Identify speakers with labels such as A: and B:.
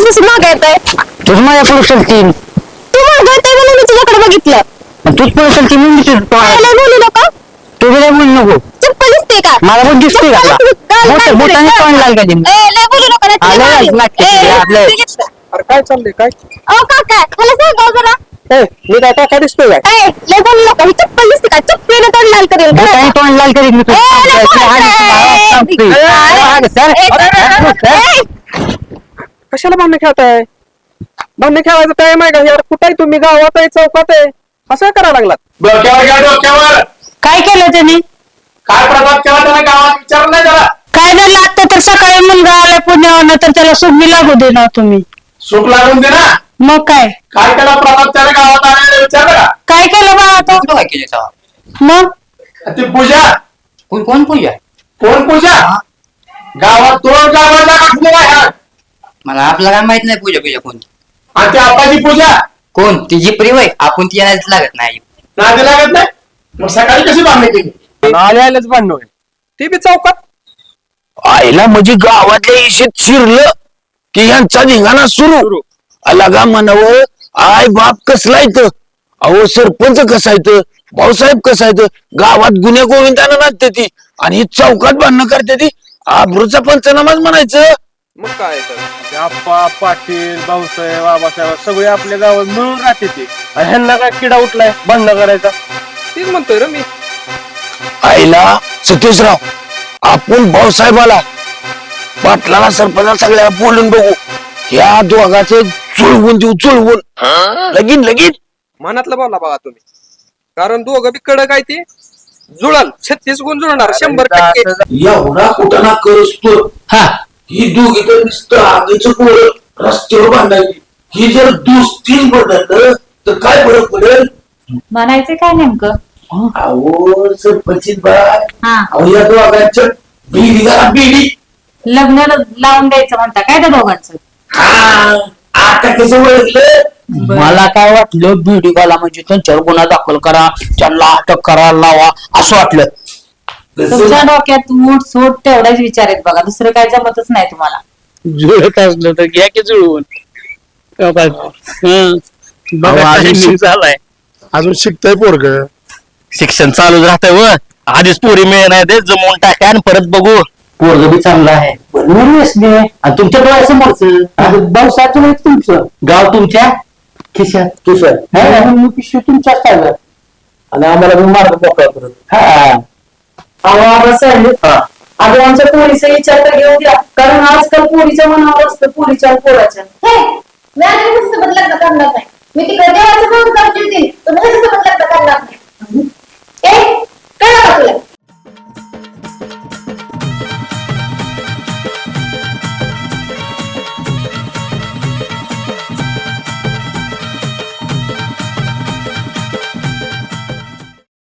A: कधीपासून मागे येत आहे?
B: तुझ माझ्या पुढे चलतील
A: तू मागे येतोय म्हणून मी तुझ्याकडे बघितलं.
B: तूच पुढे चलती म्हणून
A: काय लय बोलू नका.
B: तू बी बोलू नको.
A: चप्पल दिसते का?
B: मला पण दिसते का बोटाने तोंड लाल का
A: लय बोलू नका नाही तर लय मारीन. ते घेतलं.
C: अरे काय चाललंय काय
A: अहो काका मला सांगा जरा.
C: मी काय टाका दिसतोय काय
A: लय बोलू नका. ही चप्पल दिसते का? चप्पलीने तोंड लाल करेल.
B: बोटाने तोंड लाल करीत मी
C: कशाला भांडण खेळताय भांडण खेळायचं टाइम आहे का यार कुठे आहे तुम्ही गावात आहे चौकात आहे असं करायला लागलात
D: डोक्यावर घ्या डोक्यावर.
B: काय केलं त्याने
D: काय प्रभात केला त्याने गावात विचारलं नाही त्याला.
B: काय झालं आता तर सकाळी मुलगा आला पुण्यावर तर त्याला सुगमी लागू दे ना तुम्ही
D: सुख लागून दे ना.
B: मग काय
D: काय केला प्रभात त्याने गावात आल्याने विचारलं का?
B: काय केलं बाळा तो
E: काय केलं तेव्हा?
B: मग
D: ती पूजा
E: कोण पूजा?
D: कोण पूजा गावात तो गावाचा कसं आहे
E: मला आपला काय माहित नाही पूजा कोण
D: आणि त्या आपाची पूजा
E: कोण तिची प्रिय आहे आपण ती येण्याच लागत नाही.
D: नादी लागत नाही. मग सकाळी कशी बांधणी केली?
C: आल्यालाच भांडण होईल ते बी चौकात
F: आईला म्हणजे गावातल्या इशेत शिरलं की यांचा धिंगाणा सुरू अलगा म्हणावं आय बाप कसला येतं अहो सरपंच कसा येतं भाऊसाहेब कसा येतं गावात गुन्हे गोविंदानं नाचते ती आणि ही चौकात भांडणं करते ती आबरूचा पंचनामाच म्हणायचं.
C: मग काय तर ते आप्पा पाटील भाऊसाहेब बाबासाहेब सगळे आपल्या गावात मिळून राहते ते आणि ह्यांना काय किडा उठलाय भांडण करायचा तेच म्हणतोय रे मी
F: आईला सतीशराव आपण भाऊसाहेबाला पाटलाला सरपंचाला सगळ्या बोलून बघू या दोघाचे चुळवून देऊ चुळवून लगीन
C: मनातलं बोला बघा तुम्ही कारण दोघं बी कडक आहे ते जुळल 36 गुण जुळणार 100%.
F: एवढा कुठं ना करतो हा ही दोघी तर नुसतं आगीचं पोर रस्त्यावर बांधायची ही जर दुसरीच बदललं तर काय फरक पडेल
G: म्हणायचं काय नेमकं?
F: अहो सरपंचित बाय
G: हा
F: अहो या दोघांच्या बिडी जरा बिडी
G: लग्न लावून द्यायचं म्हणता काय त्या दोघांचं?
F: हा आता कसं ओळखलं
B: मला काय वाटलं बीडीवाला म्हणजे त्यांच्यावर गुन्हा दाखल करा त्यांना अटक करा लावा असं वाटलं.
G: तुमच्या डोक्यात मूठ सूट तेवढाच विचार आहेत बघा दुसरं काय जमतच नाही तुम्हाला.
B: जुळत असलं तर घ्या की जुळवून
F: झालाय अजून शिकतय पोरग
B: शिक्षण चालूच राहतंय व आधीच पोरी मिळणार ते जमवून टाका आणि परत बघू. पोरग बी चांगलं आहे आणि तुमच्या डोळ्यासमोरच भाऊसाहेब तुमचं गाव तुमच्या खिशात पिशवी तुमच्याच काय आणि आम्हाला मार्ग मोकळा करत
G: अगं आमच्या पोरीचा विचार तर घेऊ द्या कारण आजकाल पोरीच्या मनावर असतं पोरीच्या पोराच्या.
A: मी आधी तुझ्यासोबत लग्न करणार नाही. मी तिकडे देवाचं काम करते तुम्ही त्याच्यासोबत लग्न करणार नाही.